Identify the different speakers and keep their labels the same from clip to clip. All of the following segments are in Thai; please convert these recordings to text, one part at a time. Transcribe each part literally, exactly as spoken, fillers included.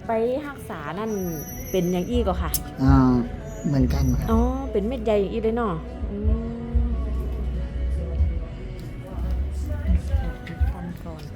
Speaker 1: ไปรักษานั่นเป็นอย่างอี้ก็ค่ะ
Speaker 2: อ่าเหมือนกันครับ
Speaker 1: อ๋อเป็นเม็ดใหญ่อย่างอี้เลยเนาะอืมตันก่อน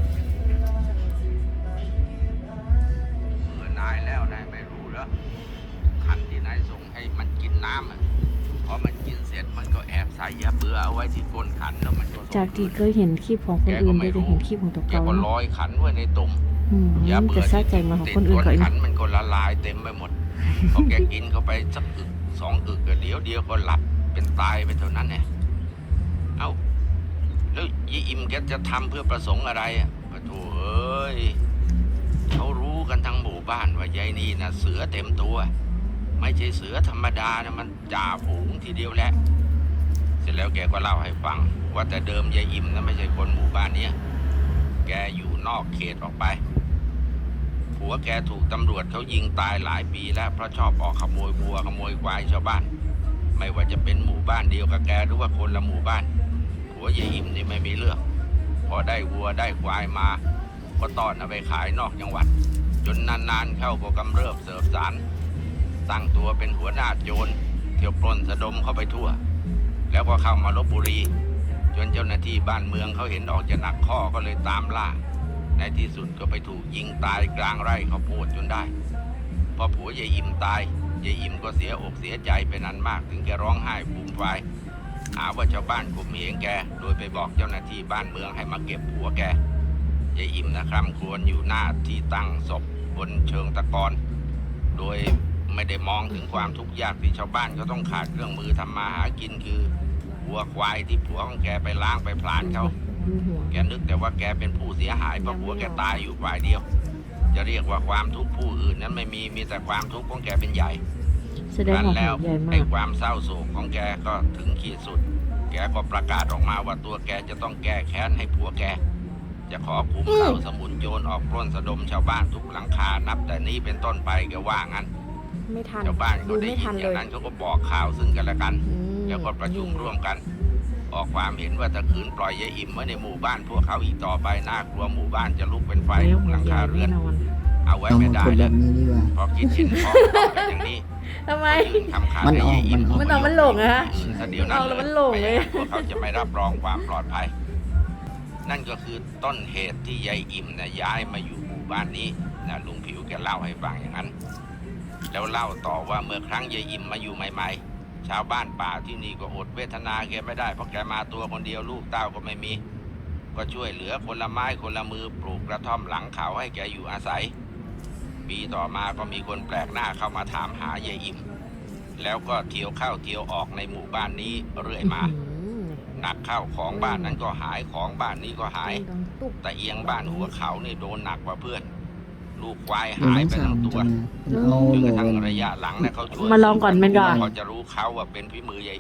Speaker 3: เมื่อนายแล้วนายไม่รู้เหรอขันที่นายส่งให้มันกินน้ำอ่ะพอมันกินเสร็จมันก็แอบใส่ยาเบื่อเอาไว้ที่ก้นขันแล้วมันก็
Speaker 1: จากที่เคยเห็นคลิปของคนอื่นได้จะเห็นคลิปของตัว
Speaker 3: แก
Speaker 1: เก่า
Speaker 3: ก็ล
Speaker 1: เนาะ
Speaker 3: อยขันไว้ในตุ่ม
Speaker 1: อืม
Speaker 3: ยาเบื่
Speaker 1: จะ
Speaker 3: อ
Speaker 1: ซาใจมาของคนอื่น
Speaker 3: ติด
Speaker 1: ก็
Speaker 3: ก้
Speaker 1: อีก
Speaker 3: ขันมันก็ละลายเต็มไปหมดพอแกกินเข้าไปสักอึกสองอึกก็เดี๋ยวเดียวก็หลับเป็นตายไปเท่านั้นเนี่ยเอ้าแล้วยีอิมแกจะทำเพื่อประสงค์อะไรอ่ะปะโถเอ้ยเขารู้กันทั้งหมู่บ้านว่ายายนี่นะเสือเต็มตัวไม่ใช่เสือธรรมดานะมันจ่าฝูงทีเดียวแหละเสร็จแล้วแกก็เล่าให้ฟังว่าแต่เดิมยายอิมนะไม่ใช่คนหมู่บ้านเนี้ยแกอยู่นอกเขตออกไปผัวแกถูกตำรวจเขายิงตายหลายปีแล้วเพราะชอบออกขโมยวัวขโมยควายชาวบ้านไม่ว่าจะเป็นหมู่บ้านเดียวกับแกหรือว่าคนละหมู่บ้านผัวยายอิมนี่ไม่มีเรื่องพอได้วัวได้ควายมาก็ต้อนเอาไปขายนอกจังหวัดจนนานๆเข้าก็กำเริบเสบสารตั้งตัวเป็นหัวหน้าโจรเที่ยวปล้นสะดมเข้าไปทั่วแล้วก็เข้ามาลพบุรีจนเจ้าหน้าที่บ้านเมืองเขาเห็นออกจะหนักข้อก็เลยตามล่าในที่สุดก็ไปถูกยิงตายกลางไร่ข้าวโพดจนได้พอผัวยายอิมตายยายอิมก็เสียอกเสียใจเป็นอันมากถึงแกร้องไห้ฟูมฟายหาว่าชาวบ้านข่มเหงแกโดยไปบอกเจ้าหน้าที่บ้านเมืองให้มาเก็บผัวแกยายอิมนะครับควรอยู่หน้าที่ตั้งศพบนเชิงตะกอนโดยไม่ได้มองถึงความทุกข์ยากที่ชาวบ้านเขาต้องขาดเครื่องมือทำมาหากินคือวัวควายที่ผัวของแกไปล้างไปผลาญเขาแกนึกแต่ว่าแกเป็นผู้เสียหายเพราะผัวแกตายอยู่ฝ่ายเดียวจะเรียกว่าความทุกข์ผู้อื่นนั้นไม่มีมีแต่ความทุกข์ของแกเป็นใหญ่
Speaker 1: แสดงว่า
Speaker 3: แล้ว
Speaker 1: ใหญ่มา
Speaker 3: ไอ้
Speaker 1: ก
Speaker 3: ความเศร้าโศกของแกก็ถึงขีดสุดแกก็ประกาศออกมาว่าตัวแกจะต้องแก้แค้นให้ผัวแกจะขอคุมเข้าสมุนโจรออกปล้นสะดมชาวบ้านทุกหลังคานับแต่นี้เป็นต้นไปแกว่างั้น
Speaker 1: ไม่ทัน
Speaker 3: ชาวบ้าน
Speaker 1: ดู
Speaker 3: ก็ได้
Speaker 1: ไม่
Speaker 3: ยิ
Speaker 1: ทัน
Speaker 3: นอ
Speaker 1: เล
Speaker 3: ย่าง
Speaker 1: ย
Speaker 3: นั้นเขาก็บอกข่าวซึ่งกันและกัน
Speaker 1: อืม
Speaker 3: แล้วก็ประชุมร่วมกัน ออกความเห็นว่าถ้าขืนปล่อยยายอิ่มไว้ในหมู่บ้านพวกเขาอีกต่อไปน่ากลัวหมู่บ้านจะลุกเป็นไฟ
Speaker 1: แล้ว
Speaker 3: ทุกหลังคาเรือน
Speaker 1: แน่นอน
Speaker 3: เอาไว้
Speaker 2: ต้อง
Speaker 3: ไม่
Speaker 2: มา
Speaker 3: ได้
Speaker 2: พูดแบ
Speaker 3: แล้ว
Speaker 2: บนี้ดีกว่า
Speaker 3: พอคิดเห็นพ้องต้องกันอย่างนี้
Speaker 1: ทำไม
Speaker 3: ก็ยื่นคำขาด
Speaker 2: มัน
Speaker 3: ให้
Speaker 2: ออก
Speaker 3: ยายอิ่ม
Speaker 2: มันออก
Speaker 1: มันออกมันหลงอะฮะ
Speaker 3: อืมซะเดี๋ยวนั้น
Speaker 1: เอาแล้วมันหลงเลย
Speaker 3: ไม่งั้นพวกเขาจะไม่รับรองความปลอดภัย นั่นก็คือต้นเหตุที่ยายอิ่มนะย้ายมาอยู่หมู่บ้านนี้นะลุงผิวแกเล่าให้ฟังอย่างนั้น แล้วเล่าต่อว่าเมื่อครั้งยายอิ่มมาอยู่ใหม่ๆชาวบ้านป่าที่นี่ก็อดเวทนาแกไม่ได้เพราะแกมาตัวคนเดียวลูกเต้าก็ไม่มี ก็ช่วยเหลือคนละไม้คนละมือปลูกกระท่อมหลังเขาให้แกอยู่อาศัย ปีต่อมาก็มีคนแปลกหน้าเข้ามาถามหายายอิ่มแล้วก็เที่ยวเข้าเที่ยวออกในหมู่บ้านนี้เรื่อยมา
Speaker 1: อืม
Speaker 3: หนักเข้าของบ้านนั้นก็หายของบ้านนี้ก็หาย
Speaker 1: ดังตุ๊บ
Speaker 3: แต่เอียงบ้านหัวเขานี่โดนหนักกว่าเพื่อน ลูกควาย
Speaker 2: เดี๋ยว
Speaker 3: หาย
Speaker 2: น้อง
Speaker 3: ไป
Speaker 2: สา
Speaker 3: ทั้
Speaker 2: ว
Speaker 3: ง
Speaker 2: มัน
Speaker 3: ตัว
Speaker 2: จะมามันเอา
Speaker 3: จน
Speaker 2: โหล
Speaker 3: กระทั่ง
Speaker 2: ลง
Speaker 3: ระยะหลังเนี่ยเขาช่วย
Speaker 1: มาลองก่อนมันก่อน
Speaker 3: พอจะรู้เขาว่าเป็นฝีมือยาย